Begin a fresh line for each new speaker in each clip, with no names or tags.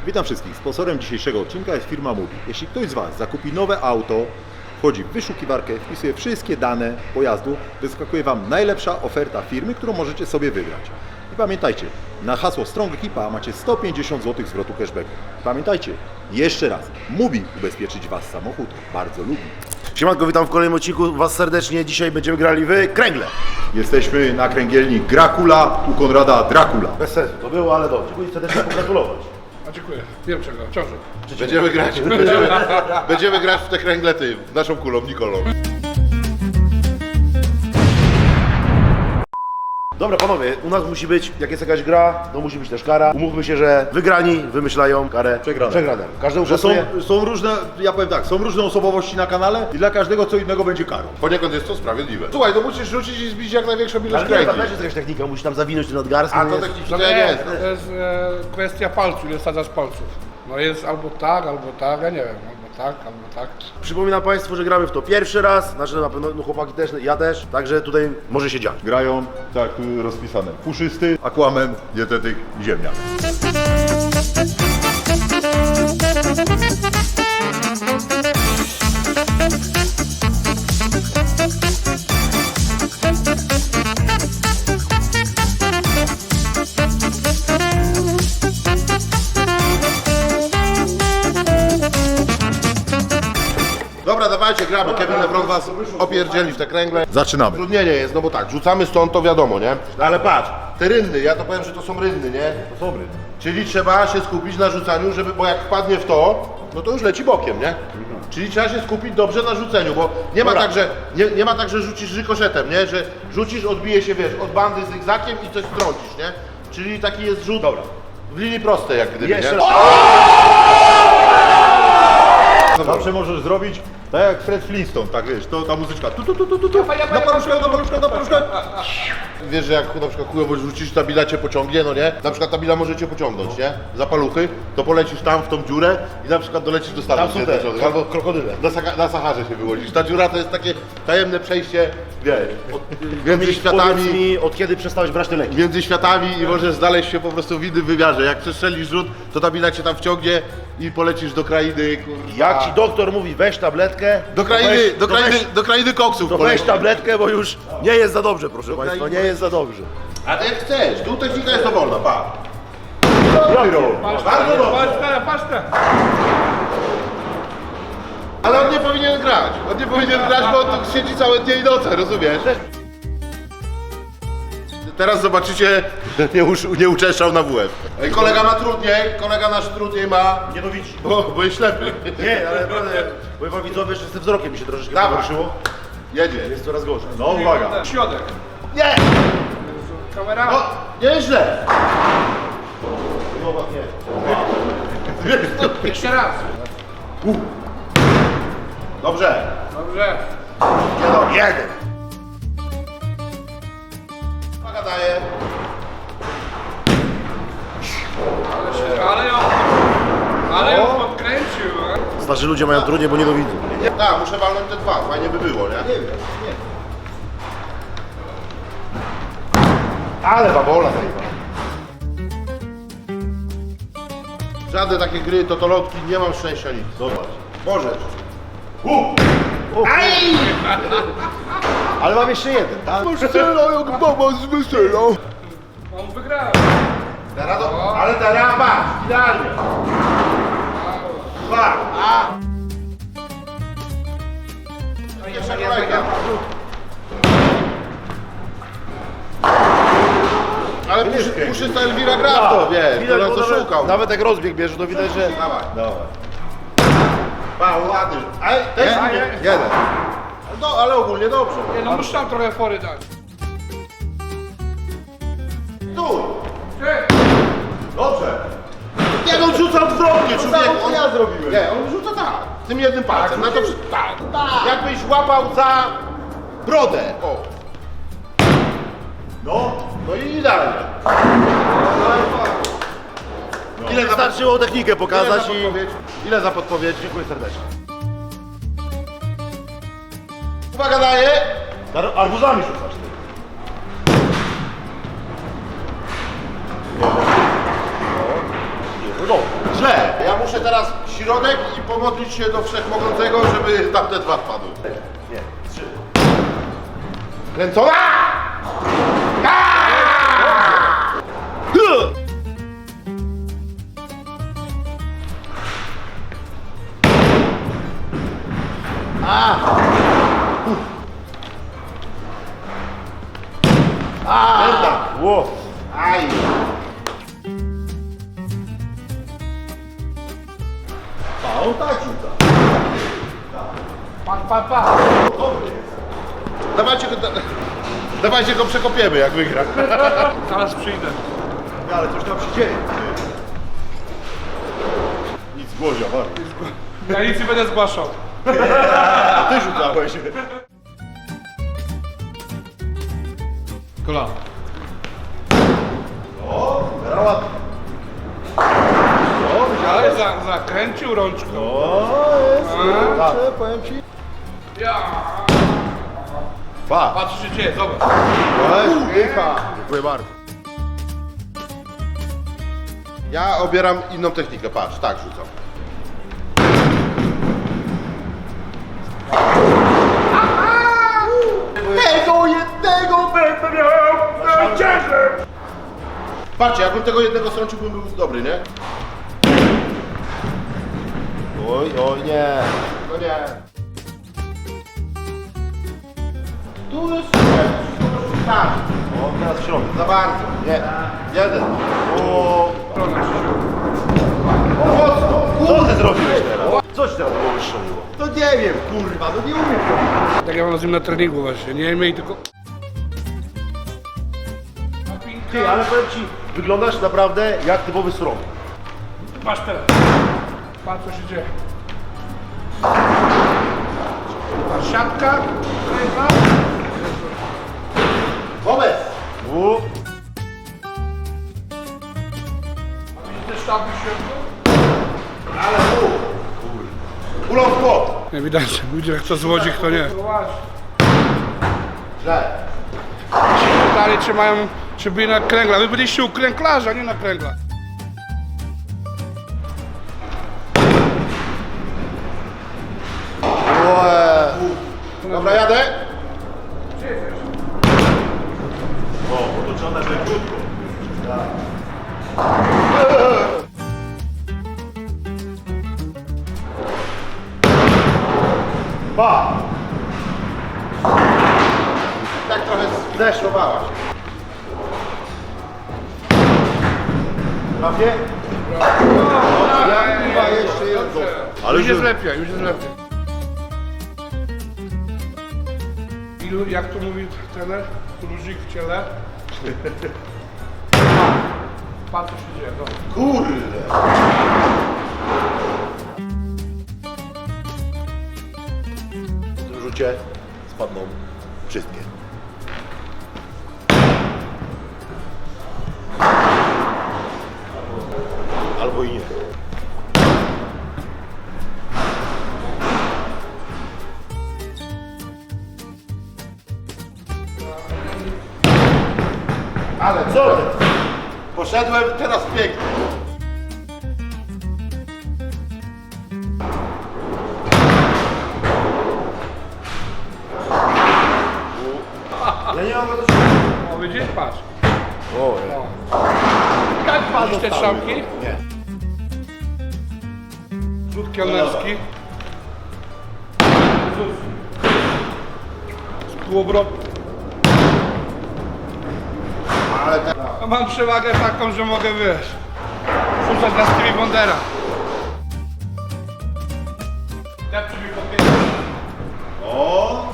Witam wszystkich. Sponsorem dzisiejszego odcinka jest firma Mubi. Jeśli ktoś z Was zakupi nowe auto, wchodzi w wyszukiwarkę, wpisuje wszystkie dane pojazdu, wyskakuje Wam najlepsza oferta firmy, którą możecie sobie wybrać. I pamiętajcie, na hasło Strong Equipa macie 150 zł zwrotu cashbacku. Pamiętajcie, jeszcze raz, Mubi ubezpieczyć Was samochód bardzo lubi.
Siemanko, witam w kolejnym odcinku Was serdecznie. Dzisiaj będziemy grali w kręgle.
Jesteśmy na kręgielni Gracula, u Konrada Dracula.
Bez sensu to było, ale dobrze. Dziękuję serdecznie pogratulować.
A dziękuję. Wiem czego. Ciąży.
Będziemy grać w te kręglety naszą kulą, Nikolą.
Dobra panowie, u nas musi być, jak jest jakaś gra, to musi być też kara. Umówmy się, że wygrani wymyślają karę przegranemu. Każdemu
Że
pasuje.
są różne, ja powiem tak, są różne osobowości na kanale i dla każdego co innego będzie karą.
Poniekąd jest to sprawiedliwe. Słuchaj, to musisz rzucić i zbić jak największą ilość
Ale nie,
kręgli.
tam też jest jakaś technika, musisz tam zawinąć ten nadgarstek.
A
no
to
jest-
technicznie to ja nie znam.
To jest kwestia palców, ile wsadzasz palców. No jest albo tak, ja nie wiem, albo tak.
Przypominam Państwu, że gramy w to pierwszy raz, znaczy na pewno no, chłopaki też, ja też, także tutaj może się dziać.
Grają, tak tu rozpisane, Puszysty, Aquaman, Dietetyk i Ziemniak.
Dobra, dawajcie, gramy. Kevin LeBron was opierdzieli w te kręgle.
Zaczynamy.
Trudnienie jest, no bo tak, rzucamy stąd, to wiadomo, nie? No ale patrz, te rynny, ja to powiem, że to są rynny, nie?
To są rynny.
Czyli trzeba się skupić na rzucaniu, żeby, bo jak wpadnie w to, no to już leci bokiem, nie? Czyli trzeba się skupić dobrze na rzuceniu, bo nie ma tak, że nie ma tak, że rzucisz rykoszetem, nie? Że rzucisz, odbije się, wiesz, od bandy zygzakiem i coś trącisz, nie? Czyli taki jest rzut w linii prostej, jak gdyby,
Jeszcze
nie?
raz.
Zawsze możesz zrobić tak jak Fred Flintstone, tak wiesz, to ta muzyczka tu, na paluszkę.
Wiesz, że jak na przykład chujowo rzucisz, ta bila cię pociągnie, no nie? Na przykład ta bila może cię pociągnąć, nie? Za paluchy, to polecisz tam w tą dziurę i na przykład dolecisz do Stanów
Tam są te
Zjednoczonych, albo
krokodyle.
na Saharze się wyłodzisz. Ta dziura to jest takie tajemne przejście, wiesz, między
Powiedz
światami.
mi, od kiedy przestałeś brać te leki?
Między światami i możesz znaleźć się po prostu w innym wymiarze. Jak przestrzelisz rzut, to ta bila cię tam wciągnie i polecisz do krainy, kurwa.
Jak ci doktor mówi, weź tabletkę,
Do krainy koksów
to weź
polecisz.
tabletkę, bo już nie jest za dobrze, proszę Państwa, nie jest za dobrze.
A ty jak chcesz, tu technika jest dowolna, pa.
Bardzo dobrze. Patrz te.
Ale on nie powinien grać. On nie powinien grać, bo on tu siedzi całe dnie i noce, rozumiesz? Teraz zobaczycie, że nie uczeszczał na WF. Ej, kolega ma trudniej, kolega nasz trudniej ma,
Nie to widzi.
bo jest ślepy.
Nie, ale naprawdę, powiem wam widzowie, że z tym wzrokiem mi się troszeczkę
Dawaj.
pogorszyło.
Jedzie.
Jest coraz gorzej.
No uwaga.
Środek.
Nie!
Kamera.
O, nieźle!
Jeszcze raz.
Dobrze.
Dobrze.
Jeden. Uwaga daje.
Ale ją podkręcił.
Starzy ludzie mają trudniej, bo nie dowidzą.
Tak, muszę walnąć te dwa, fajnie by było, nie?
Ale babola zajeba.
Żadne takie gry, totolotki, nie mam szczęścia nic.
Zobacz.
Możesz.
Ale mam jeszcze jeden, tak?
Wesela jak baba z weselą.
On wygrał.
Teraz ale teraz patrz, idealnie. Dwa. Jeszcze kolejka. Ale Puszysta Elwira gra w to, wiesz, to
bo
nas szukał.
nawet jak rozbieg bierze, to widać, że...
Dawaj.
Dawaj.
Pa, ładny. Ale też
Jeden.
no, ale ogólnie dobrze.
Nie, no muszę tam trochę fory dać.
Tu.
Dobrze.
Nie, on rzuca odwrotnie, człowieku.
Co ja zrobiłem?
Nie, on rzuca tak. Tym jednym palcem. Na to, tak. Jakbyś łapał za brodę. O.
No.
No i idealnie.
Ile wystarczyło technikę pokazać i...
Ile za podpowiedź?
Dziękuję serdecznie.
Uwaga daje.
Arbuzami rzucasz ty.
Źle. Ja muszę teraz środek i pomodlić się do Wszechmogącego, żeby tamte dwa wpadły.
Nie, 3.
Kręcona!
Ło.
Aj!
A on tak rzuca.
Pa.
Dawajcie go przekopiemy, jak wygra.
Zaraz przyjdę.
Ale coś tam się dzieje. Nic głozia, bardzo.
Ja nic nie będę zgłaszał.
Ty rzucałeś.
Kolano.
Teraz ładnie.
Ale zakręcił rączką.
O, jest, kurczę, powiem ci.
Ja.
Pa!
Patrz co się dzieje, zobacz.
Dziękuję bardzo. Ja obieram inną technikę, patrz, tak rzucam.
Tego jednego będę miał na ciężar.
Patrzcie, jakbym tego jednego strącił, bym był dobry, nie?
Oj, nie.
No nie. Tu jest tak.
O, teraz w środku.
Za bardzo. Nie. Jeden.
O,
Mocno.
co ty zrobiłeś teraz? Coś teraz było wystrzeliło.
No nie wiem, kurwa, no nie umiem.
Tak jak mam z nim na treningu właśnie, nie miej tylko...
Ty, ale powiem ci, wyglądasz naprawdę jak typowy srom.
Patrz teraz. Patrz co się dzieje. Siatka, kręgla.
Wobec.
U,
Widzisz te sztabki w środku?
Ale tu. Kulą w bok.
Nie widać, ludzie jak to złodzi, kto nie.
Źle.
Ci pytali, czy mają, czy byli na kręglach. Wy byliście u kręglarza, nie na kręglach.
Dobra, jadę.
o, otoczone leciutko. Pa!
Tak trochę zdeszowałaś.
Prawie?
Chyba jeszcze jeden został.
Ale
Już jest
że-
lepiej, już jest lepiej. Ilu, jak to mówi trener? Luzik w ciele. Patrz co się dzieje, dobra.
Kurde.
W tym rzucie spadną wszystkie. Albo i nie.
Ale
Co ty?
poszedłem teraz pięknie.
Ja nie mam do
O, widzisz? Patrz.
O,
Tak widzisz te strzałki?
nie.
Rzut kelnerski. Z półobrotu.
Ale te...
A mam przewagę taką, że mogę, wiesz, rzucać na Stevie Wondera. Depczy mi po pięcie.
O!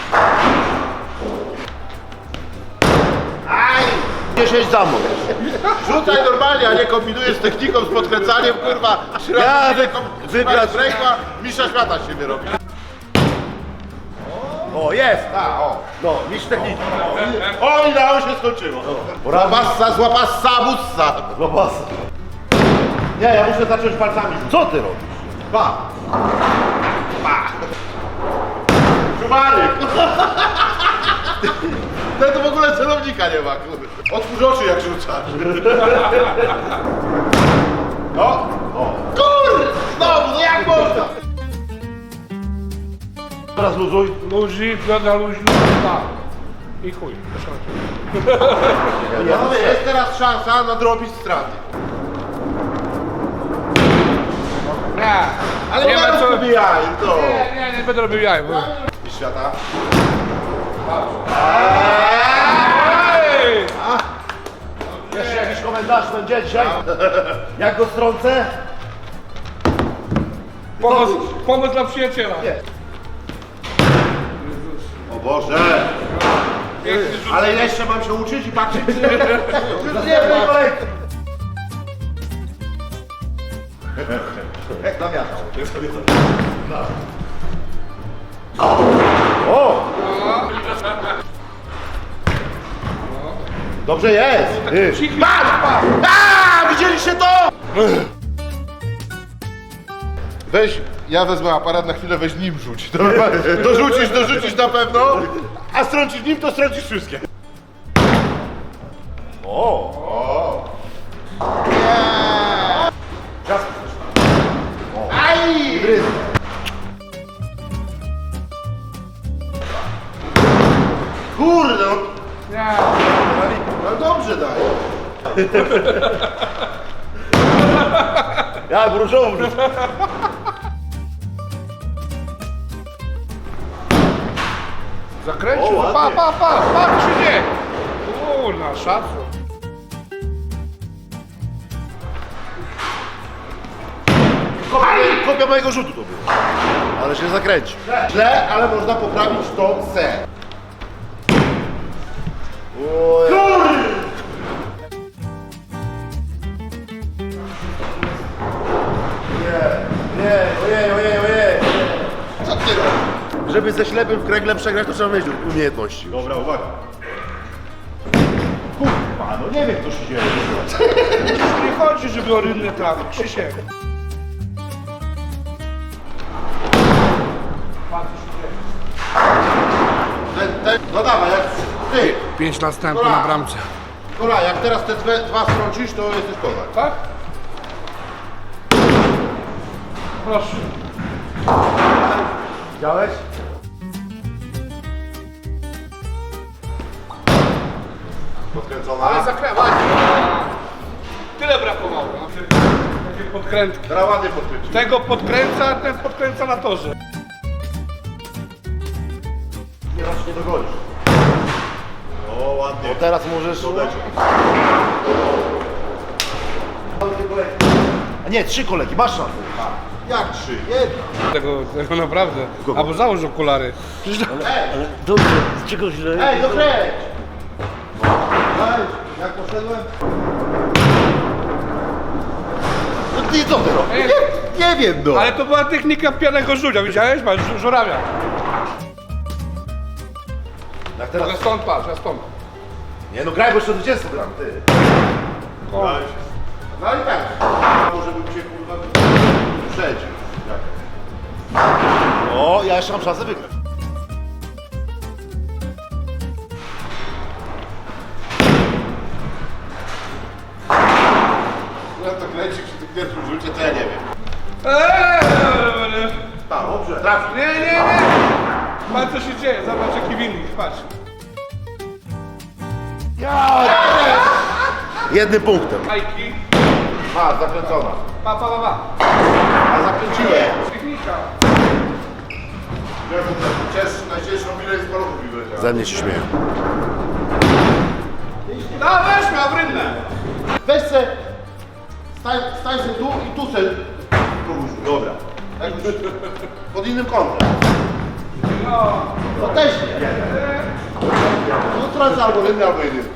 Aj!
10 za mną.
Rzucaj normalnie, a nie kombinujesz z techniką, z podkręcaniem, kurwa.
Ja
wygrać ręka, mistrza świata się wyrobi.
O, jest!
A, o.
No, mistrz techniki.
O, idealnie się skończyło. Złapassa, złapassa, bussa.
Zobacz.
Nie, ja muszę zacząć palcami.
Co ty robisz?
Pa. Pa. Czubary. Ten to w ogóle celownika nie ma, kurde. Otwórz oczy jak rzucasz. No, kur! Znowu, no jak można?
Teraz luzuj.
Luzik, wiodra luźno, tak. I chuj.
Panowie, jest teraz szansa nadrobić straty.
Nie,
Ale nie
ma
ma co jaj, to.
Nie będę robił jaj. Bo...
I świata.
Ej!
Jeszcze jakiś komentarz będzie dzisiaj? Jak go strącę?
Pomoc dla przyjaciela.
O Boże.
Piękny rzut.
Ale jeszcze mam się uczyć i patrzeć, czy
Nie wiem, kolejny.
O! Dobrze jest! A, widzieliście to? Weź, ja wezmę aparat na chwilę, weź nim rzuć. Dorzucisz na pewno, a strącisz nim, to strącisz wszystkie. Aj! Kurde, no.
Nie.
Ale dobrze daj.
Ja gruszową.
Zakręcił.
O, ładnie.
Pa, czy nie? Kurna, szacun.
Kopia mojego rzutu to było. Ale się zakręci.
Źle, ale można poprawić to se.
Ojej.
Co ty robisz?
Żeby ze ślepym w kręgle przegrać, to trzeba mieć umiejętności.
Dobra, uwaga.
Kurwa, no nie wiem co się dzieje.
Nie chodzi, żeby o rynne trawy. Krzysiek.
No dawaj, jak ty.
5 następnych na bramce.
Dobra, jak teraz te dwa strącisz, to jesteś kozak.
Tak? Proszę.
Widziałeś?
Podkręcona.
Ale zakręcaj. Tyle brakowało. Takie podkrętki.
Teraz ładnie podkręcić.
Tego podkręca, ten podkręca na torze.
Nie raz nie dogonisz.
O, ładnie.
Bo teraz możesz... A nie, 3 kolegi, masz szansę.
Jak 3? Jedna.
Tego naprawdę. Albo załóż okulary.
Dobrze, z czego źle?
Ej, dokręć! Daj, jak poszedłem?
No ty co ty robisz?
Ej,
Nie wiem no.
ale to była technika pianego żudzia, widziałeś? Masz żurawia.
Jak teraz...
Ja stąd patrz, ja stąd.
Nie no graj, bo jeszcze 20 gram, ty.
O,
No i tak. Może bym cię kurwa wyprzedził.
O, ja jeszcze mam szansę wygrać.
Ja to kręci przy tym pierwszym rzucie, to ja nie wiem. Tak, dobrze. Trafi.
Nie. Patrz co się dzieje, zobacz jaki winnik, patrz.
Jednym punktem.
Majki.
A, zakręcona.
Pa.
A zakręciłem.
Technika.
Najcięższą milę z paluchów mi wyleciała.
Ze mnie się śmieją.
No weź miał rynne.
Weź se, stań se tu i tu se. Dobra. Tak już pod innym kątem. No też nie. No tracę albo jedny, albo jedynki.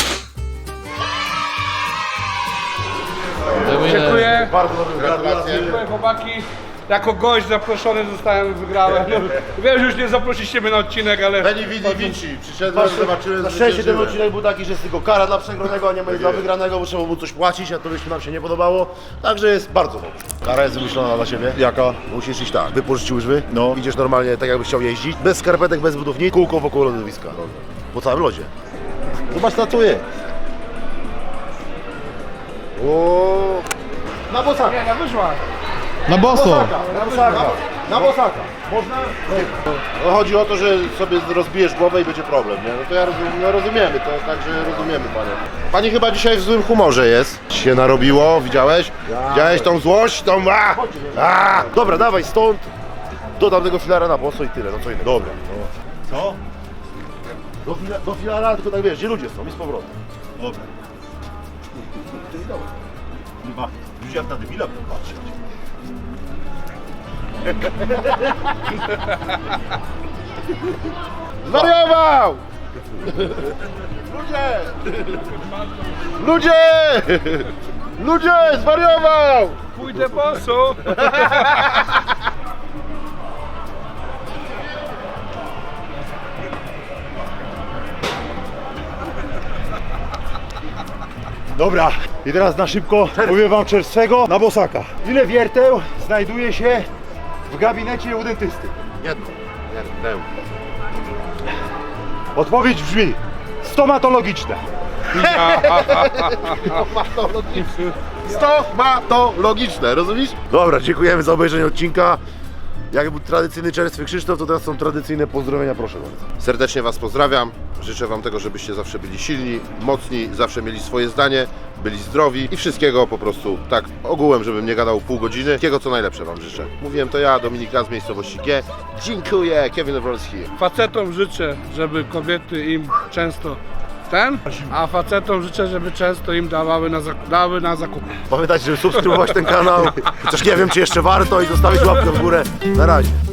Dziękuję.
Bardzo dobry,
Gratulacje.
Dziękuję chłopaki. Jako gość zaproszony zostałem, wygrałem. No, wiem, że już nie zaprosicie mnie na odcinek, ale...
Beni Vidi Vici. Przyszedłem, zobaczyłem,
Na
że
szczęście ten
żyłem.
odcinek był taki, że jest tylko kara dla przegranego, a nie dla wygranego, bo trzeba mu coś płacić, a to byśmy nam się nie podobało. Także jest bardzo dobrze. Kara jest wymyślona dla siebie.
Jaka?
Musisz iść tak, wypożyczyć łyżwy, no. Idziesz normalnie tak jakbyś chciał jeździć, bez skarpetek, bez butów, nic, kółko wokół lodowiska. Po całym lodzie.
Zobacz, tatuję.
O, Na bosaka.
Nie, na wyżłach.
Na boso.
Na bosaka. Można?
No, chodzi o to, że sobie rozbijesz głowę i będzie problem, nie? No to ja rozumiem, no rozumiemy, to także rozumiemy panie. Pani chyba dzisiaj w złym humorze jest. Się narobiło, widziałeś? Widziałeś tą złość, tą...
Dobra, dawaj stąd. Do tamtego filara na boso i tyle, no co innego.
Dobra.
Co? Do filara, tylko tak wiesz, gdzie ludzie są i z powrotem.
Dobra. Kurwa, już jak na debila patrzeć.
Zwariował! Ludzie! Ludzie! Ludzie! Zwariował!
Pójdę boso.
Dobra, i teraz na szybko powiem wam czerwcego na bosaka. Ile wierteł znajduje się w gabinecie u dentysty?
Jedno. Jedno.
Odpowiedź brzmi stomatologiczne.
Stomatologiczne, rozumiesz?
Dobra, dziękujemy za obejrzenie odcinka. Jak był tradycyjny czerstwy Krzysztof, to teraz są tradycyjne pozdrowienia, proszę bardzo.
Serdecznie Was pozdrawiam. Życzę Wam tego, żebyście zawsze byli silni, mocni, zawsze mieli swoje zdanie, byli zdrowi i wszystkiego po prostu tak ogółem, żebym nie gadał pół godziny. Wszystkiego co najlepsze Wam życzę. Mówiłem to ja, Dominik Raz z miejscowości G. Dziękuję, Kevin Wrolski.
Facetom życzę, żeby kobiety im często a facetom życzę, żeby często im dały na zakupy.
Pamiętajcie, żeby subskrybować ten kanał. Chociaż nie wiem, czy jeszcze warto i zostawić łapkę w górę. Na razie.